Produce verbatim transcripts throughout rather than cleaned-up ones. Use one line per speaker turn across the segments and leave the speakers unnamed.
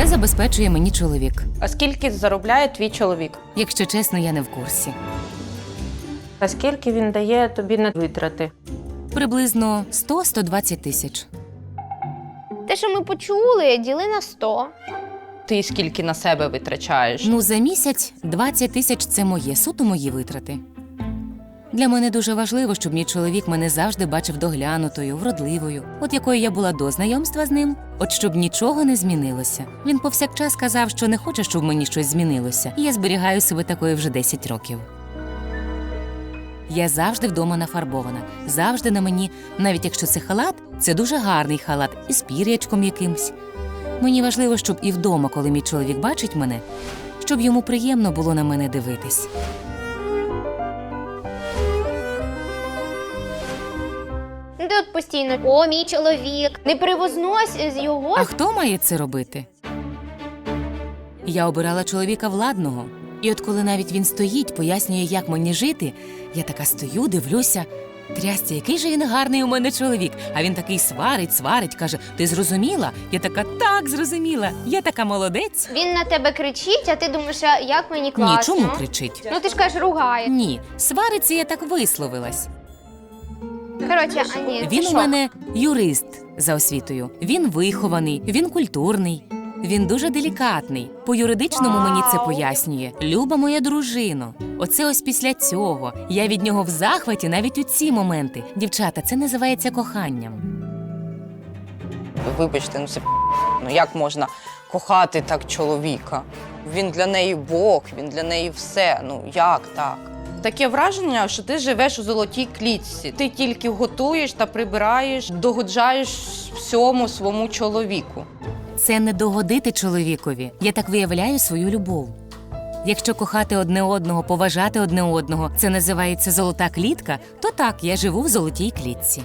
Це забезпечує мені чоловік.
А скільки заробляє твій чоловік?
Якщо чесно, я не в курсі.
А скільки він дає тобі на витрати?
Приблизно сто - сто двадцять тисяч.
Те, що ми почули, діли на сто.
Ти скільки на себе витрачаєш?
Ну, за місяць двадцять тисяч – це моє, суто мої витрати. Для мене дуже важливо, щоб мій чоловік мене завжди бачив доглянутою, вродливою. От якою я була до знайомства з ним, от щоб нічого не змінилося. Він повсякчас казав, що не хоче, щоб мені щось змінилося. І я зберігаю себе такою вже десять років. Я завжди вдома нафарбована, завжди на мені, навіть якщо це халат, це дуже гарний халат, із пір'ячком якимсь. Мені важливо, щоб і вдома, коли мій чоловік бачить мене, щоб йому приємно було на мене дивитись.
Ну, ти от постійно, о, мій чоловік, не привознось з його.
А хто має це робити? Я обирала чоловіка владного. І от коли навіть він стоїть, пояснює, як мені жити, я така стою, дивлюся. Трясця, який же він гарний у мене чоловік. А він такий сварить, сварить, каже, ти зрозуміла? Я така, так, зрозуміла. Я така молодець.
Він на тебе кричить, а ти думаєш, а як мені класно.
Ні, чому кричить?
Ну ти ж кажеш, ругає.
Ні, свариться, я так висловилась.
Коротше, а ні,
Він
це
у
шок.
мене юрист за освітою. Він вихований, він культурний, він дуже делікатний. По юридичному мені це пояснює. Люба моя дружино. Оце ось після цього. Я від нього в захваті навіть у ці моменти. Дівчата, це називається коханням.
Вибачте, ну це ну як можна кохати так чоловіка? Він для неї Бог, він для неї все. Ну як так? Таке враження, що ти живеш у золотій клітці. Ти тільки готуєш та прибираєш, догоджаєш всьому своєму чоловіку.
Це не догодити чоловікові. Я так виявляю свою любов. Якщо кохати одне одного, поважати одне одного, це називається золота клітка, то так, я живу в золотій клітці.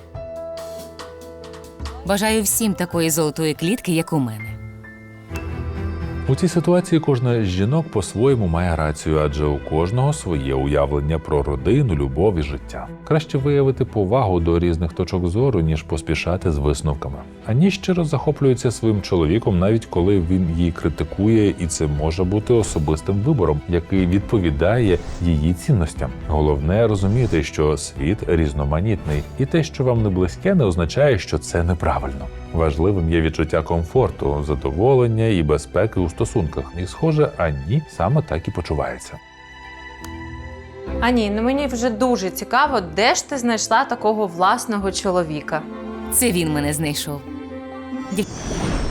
Бажаю всім такої золотої клітки, як у мене.
У цій ситуації кожна з жінок по-своєму має рацію, адже у кожного своє уявлення про родину, любов і життя. Краще виявити повагу до різних точок зору, ніж поспішати з висновками. Ані щиро захоплюється своїм чоловіком, навіть коли він її критикує, і це може бути особистим вибором, який відповідає її цінностям. Головне розуміти, що світ різноманітний, і те, що вам не близьке, не означає, що це неправильно. Важливим є відчуття комфорту, задоволення і безпеки у стосунках. І, схоже, Ані саме так і почувається.
Ані, ну мені вже дуже цікаво, де ж ти знайшла такого власного чоловіка?
Це він мене знайшов. Дів...